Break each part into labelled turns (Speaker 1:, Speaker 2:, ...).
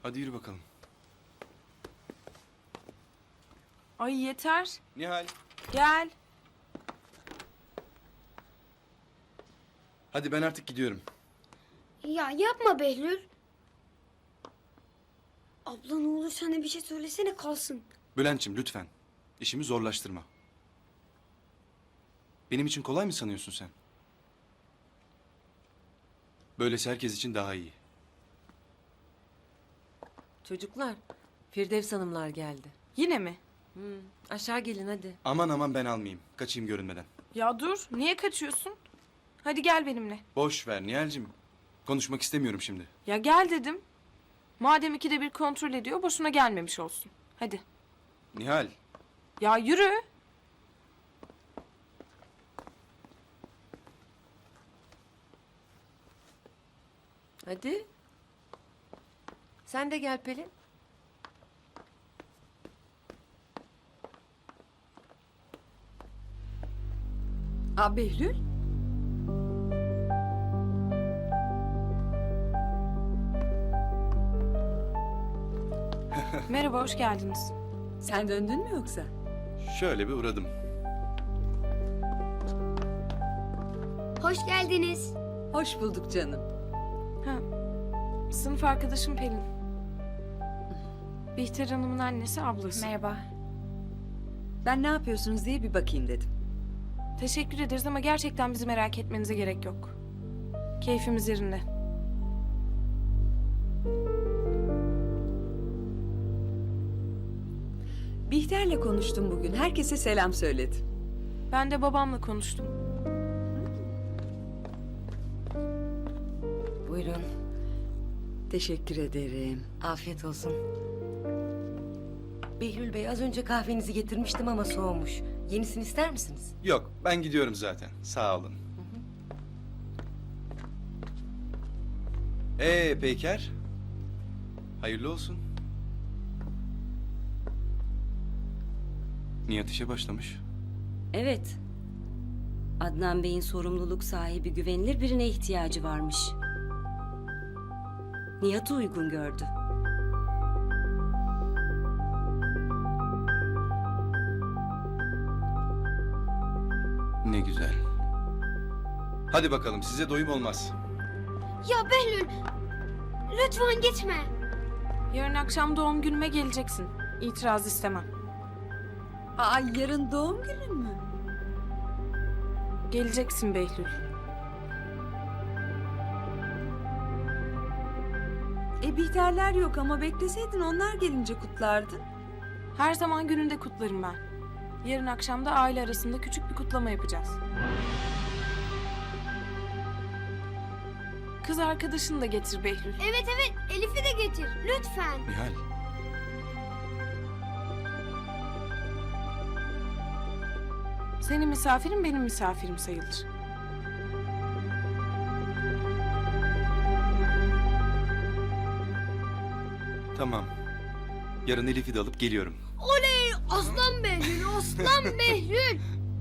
Speaker 1: Hadi yürü bakalım.
Speaker 2: Ay yeter.
Speaker 1: Nihal.
Speaker 2: Gel.
Speaker 1: Hadi ben artık gidiyorum.
Speaker 3: Ya yapma Behlül. Abla ne olur sana bir şey söylesene kalsın.
Speaker 1: Bülent'ciğim lütfen. İşimi zorlaştırma. Benim için kolay mı sanıyorsun sen? Böylesi herkes için daha iyi.
Speaker 4: Çocuklar, Firdevs Hanımlar geldi.
Speaker 2: Yine mi?
Speaker 4: Aşağı gelin hadi.
Speaker 1: Aman aman ben almayayım. Kaçayım görünmeden.
Speaker 2: Ya dur. Niye kaçıyorsun? Hadi gel benimle.
Speaker 1: Boş ver Nihal'cim. Konuşmak istemiyorum şimdi.
Speaker 2: Ya gel dedim. Madem ikide bir kontrol ediyor boşuna gelmemiş olsun. Hadi.
Speaker 1: Nihal.
Speaker 2: Ya yürü.
Speaker 4: Hadi. Sen de gel Pelin.
Speaker 5: Behlül?
Speaker 2: Merhaba, hoş geldiniz.
Speaker 5: Sen döndün mü yoksa?
Speaker 1: Şöyle bir uğradım.
Speaker 3: Hoş geldiniz.
Speaker 5: Hoş bulduk canım.
Speaker 2: Ha, sınıf arkadaşım Pelin. Bihter Hanım'ın annesi, ablası.
Speaker 3: Merhaba.
Speaker 5: Ben ne yapıyorsunuz diye bir bakayım dedim.
Speaker 2: Teşekkür ederiz ama gerçekten bizi merak etmenize gerek yok. Keyfimiz yerinde.
Speaker 5: Bihter'le konuştum bugün. Herkese selam söyledi.
Speaker 2: Ben de babamla konuştum.
Speaker 4: Buyurun.
Speaker 5: Teşekkür ederim.
Speaker 4: Afiyet olsun. Behlül Bey az önce kahvenizi getirmiştim ama soğumuş. Yenisini ister misiniz?
Speaker 1: Yok ben gidiyorum zaten. Sağ olun. Peyker. Hayırlı olsun. Nihat işe başlamış.
Speaker 6: Evet. Adnan Bey'in sorumluluk sahibi güvenilir birine ihtiyacı varmış. Nihat'ı uygun gördü.
Speaker 1: Ne güzel. Hadi bakalım size doyum olmaz.
Speaker 3: Ya Behlül. Lütfen gitme.
Speaker 2: Yarın akşam doğum günüme geleceksin. İtiraz istemem.
Speaker 5: Yarın doğum günün mü?
Speaker 2: Geleceksin Behlül.
Speaker 5: Bihterler yok ama bekleseydin onlar gelince kutlardın.
Speaker 2: Her zaman gününde kutlarım ben. Yarın akşam da aile arasında küçük bir kutlama yapacağız. Kız arkadaşını da getir Behlül.
Speaker 3: Evet Elif'i de getir lütfen.
Speaker 1: Nihal.
Speaker 2: Senin misafirin benim misafirim sayılır.
Speaker 1: Tamam. Yarın Elif'i de alıp geliyorum.
Speaker 3: Oley aslan Behlül aslan Behlül.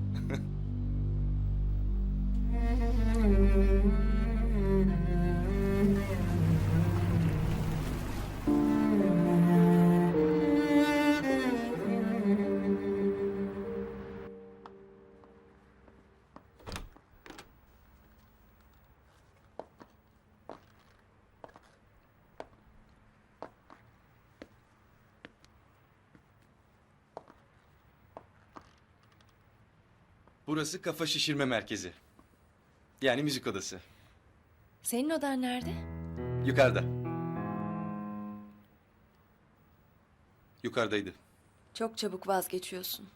Speaker 1: Burası kafa şişirme merkezi. Yani müzik odası.
Speaker 4: Senin odan nerede?
Speaker 1: Yukarıda. Yukarıdaydı.
Speaker 4: Çok çabuk vazgeçiyorsun.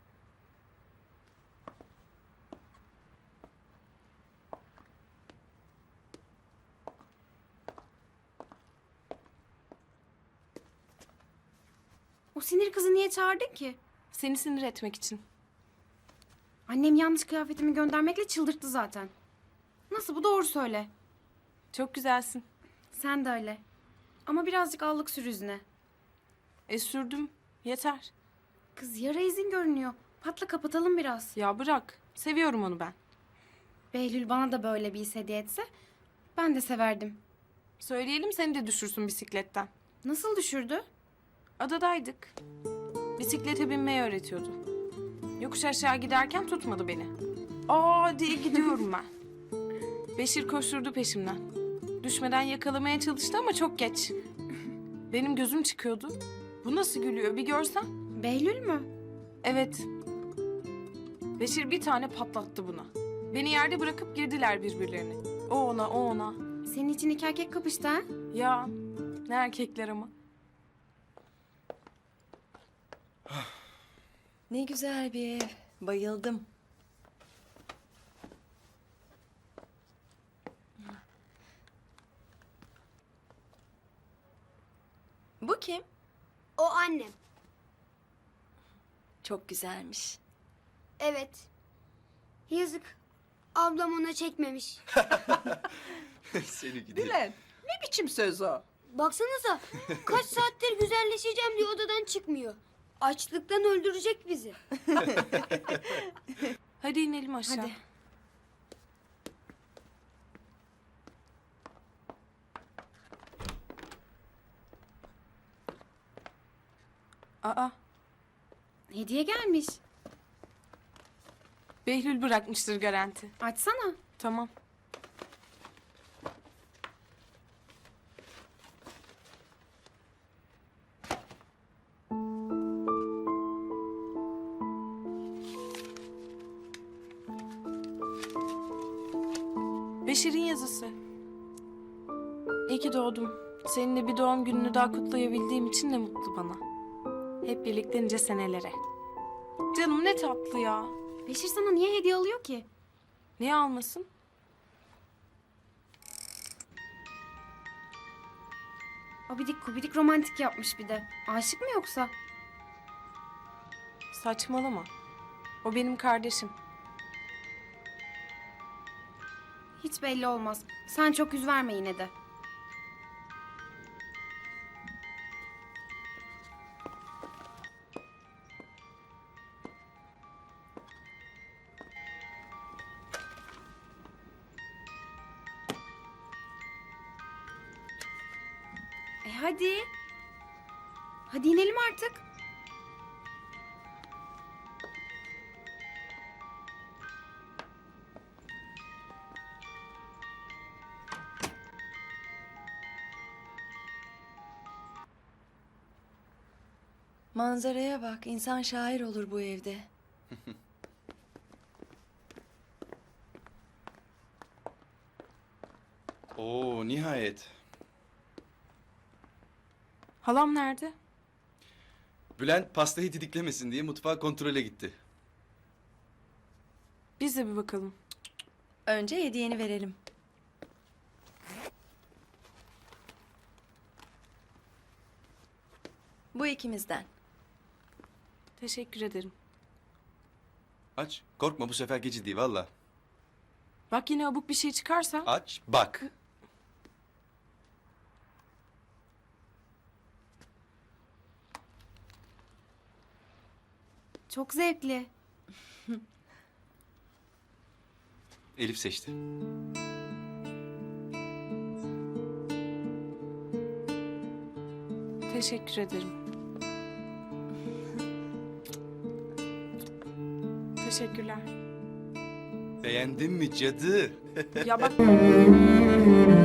Speaker 7: O sinir kızı niye çağırdın ki?
Speaker 2: Seni sinir etmek için.
Speaker 7: Annem yanlış kıyafetimi göndermekle çıldırttı zaten. Nasıl bu doğru söyle.
Speaker 2: Çok güzelsin.
Speaker 7: Sen de öyle. Ama birazcık allık sür yüzüne.
Speaker 2: Sürdüm. Yeter.
Speaker 7: Kız yara izin görünüyor. Patla kapatalım biraz.
Speaker 2: Ya bırak. Seviyorum onu ben.
Speaker 7: Behlül bana da böyle bir hediye etse ben de severdim.
Speaker 2: Söyleyelim seni de düşürsün bisikletten.
Speaker 7: Nasıl düşürdü?
Speaker 2: Adadaydık. Bisiklete binmeyi öğretiyordu. Yokuş aşağı giderken tutmadı beni. Aa diye gidiyorum ben. Beşir koşturdu peşimden. Düşmeden yakalamaya çalıştı ama çok geç. Benim gözüm çıkıyordu. Bu nasıl gülüyor bir görsen.
Speaker 7: Behlül mü?
Speaker 2: Evet. Beşir bir tane patlattı buna. Beni yerde bırakıp girdiler birbirlerine. O ona, o ona.
Speaker 7: Senin için iki erkek kapıştı ha?
Speaker 2: Ya ne erkekler ama.
Speaker 8: Ne güzel bir ev. Bayıldım. Bu kim?
Speaker 3: O annem.
Speaker 8: Çok güzelmiş.
Speaker 3: Evet. Yazık. Ablam ona çekmemiş.
Speaker 1: Seni gidi.
Speaker 9: Dilan, ne biçim söz o?
Speaker 3: Baksanıza. Kaç saattir güzelleşeceğim diye odadan çıkmıyor. Açlıktan öldürecek bizi.
Speaker 2: Hadi inelim aşağı.
Speaker 7: Hadi.
Speaker 2: Aa,
Speaker 7: Hediye gelmiş.
Speaker 2: Behlül bırakmıştır garanti.
Speaker 7: Açsana.
Speaker 2: Tamam. Beşir'in yazısı. İyi ki doğdum. Seninle bir doğum gününü daha kutlayabildiğim için ne mutlu bana. Hep birlikte nice senelere. Canım ne tatlı ya.
Speaker 7: Beşir sana niye hediye alıyor ki?
Speaker 2: Niye almasın?
Speaker 7: Abidik kubidik romantik yapmış bir de. Aşık mı yoksa?
Speaker 2: Saçmalama. O benim kardeşim.
Speaker 7: Hiç belli olmaz. Sen çok yüz verme yine de. Hadi. Hadi inelim artık.
Speaker 8: Manzaraya bak. İnsan şair olur bu evde.
Speaker 1: Oo nihayet.
Speaker 2: Halam nerede?
Speaker 1: Bülent pastayı didiklemesin diye mutfağa kontrole gitti.
Speaker 2: Biz de bir bakalım.
Speaker 8: Önce hediyeni verelim. Bu ikimizden.
Speaker 2: Teşekkür ederim.
Speaker 1: Aç. Korkma bu sefer gece değil valla.
Speaker 2: Bak yine abuk bir şey çıkarsa.
Speaker 1: Aç bak.
Speaker 7: Çok zevkli.
Speaker 1: Elif seçti.
Speaker 2: Teşekkür ederim. Teşekkürler.
Speaker 1: Beğendin mi cadı?
Speaker 2: Ya bak